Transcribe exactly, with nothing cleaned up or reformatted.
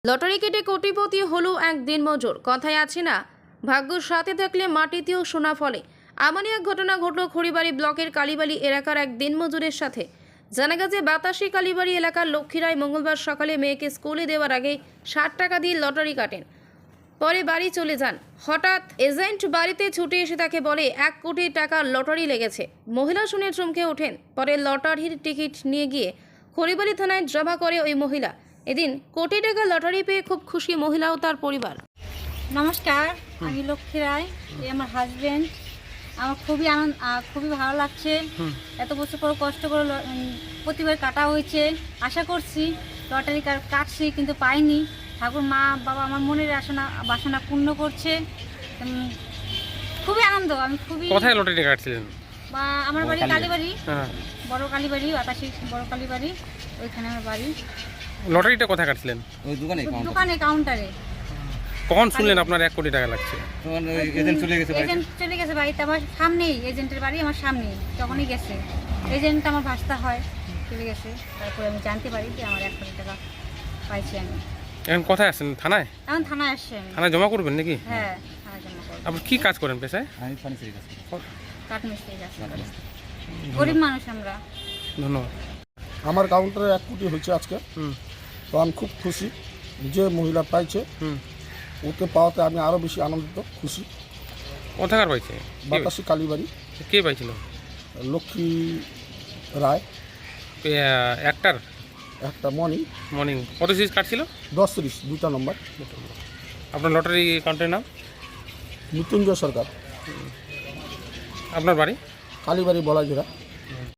Lottery কেটে কোটিপতি হলো এক দিনমজুর। কথায় আছে না, ভাগ্যর সাথে থাকলে মাটিতেও সোনা ফলে। এমনই এক ঘটনা ঘটল খড়িবাড়ি ব্লকের কালীবাড়ি এলাকার এক দিনমজুরের সাথে। জানা গেছে বাতাসি কালীবাড়ি এলাকার লক্ষ্মীরায় মঙ্গলবার সকালে মেয়েকে স্কুলে দেওয়ার আগে ষাট টাকা দিয়ে লটারি কাটেন। পরে বাড়ি চলে যান। হঠাৎ এজেন্ট বাড়িতে ছুটে এসে তাকে বলে এক কোটি টাকার লটারি লেগেছে। মহিলা শুনে চমকে ওঠেন। পরে লটারির টিকিট নিয়ে গিয়ে খড়িবাড়ি থানায় জমা করে ওই মহিলা। এদিন কোটি টাকা লটারি পেয়ে খুব খুশি মহিলা ও তার পরিবার। নমস্কার, আমি লক্ষ্মী রায়, এই আমার হাজবেন্ড। আমার খুবই আনন্দ, খুবই ভালো লাগছে। এত বছর পর কষ্ট করে ল- উম, প্রতিবার কাটা হয়েছে। আশা করছি লটারি কার কাটছি, কিন্তু পাইনি। ঠাকুর মা বাবা আমার মনের আসনা বাসনা পূর্ণ করছে। উম, খুবই আনন্দ। আমি খুবই কোথায় লটারি কাটছিলেন? বা আমার বাড়ি কালীবাড়ি, হ্যাঁ, বড় কালীবাড়ি, বাতাসি বড় কালীবাড়ি, ওইখানে আমার বাড়ি। লটারিটা কোথায় কাটছিলেন? ওই দোকানে দোকানে কাউন্টারে। কখন শুনলেন আপনার এক কোটি টাকা লাগছে? তখন ওই এজেন্ট চলে গেছে বাড়িতে। এজেন্ট চলে গেছে বাড়িতে, আমার সামনেই এজেন্টের বাড়ি, আমার সামনেই। তখনই গেছে এজেন্ট, আমার ভাস্তা হয়, চলে গেছে। তারপরে আমি জানতে পারি যে আমার এক কোটি টাকা পাইছি আমি। এখন কোথায় আসছেন? থানায়? এখন থানায় আসছি আমি। থানায় জমা করবেন নাকি? হ্যাঁ, থানায় জমা করবো। আপনি কি কাজ করেন পেশায়? আমি ফার্নিচারের কাজ করি। কাঠমিস্ত্রি কাজ করি। গরিব মানুষ আমরা। ধন্যবাদ। আমার কাউন্টারে এক কোটি হয়েছে আজকে। হুম তো আমি খুব খুশি যে মহিলা পাইছে, হুম ওকে পাওয়াতে আমি আরও বেশি আনন্দিত, খুশি। কোথাকার পাইছে? বাতাসি কালীবাড়ি, কে পাইছিল? লক্ষ্মী রায়, এ, একটার একটা মর্নিং মর্নিং কত সিরিজ কাটছিল? দশ তিরিশ দুটা নম্বর। আপনার লটারি কাউন্টারের নাম? মৃত্যুঞ্জয় সরকার, আপনার বাড়ি? কালীবাড়ি বলাজিরা।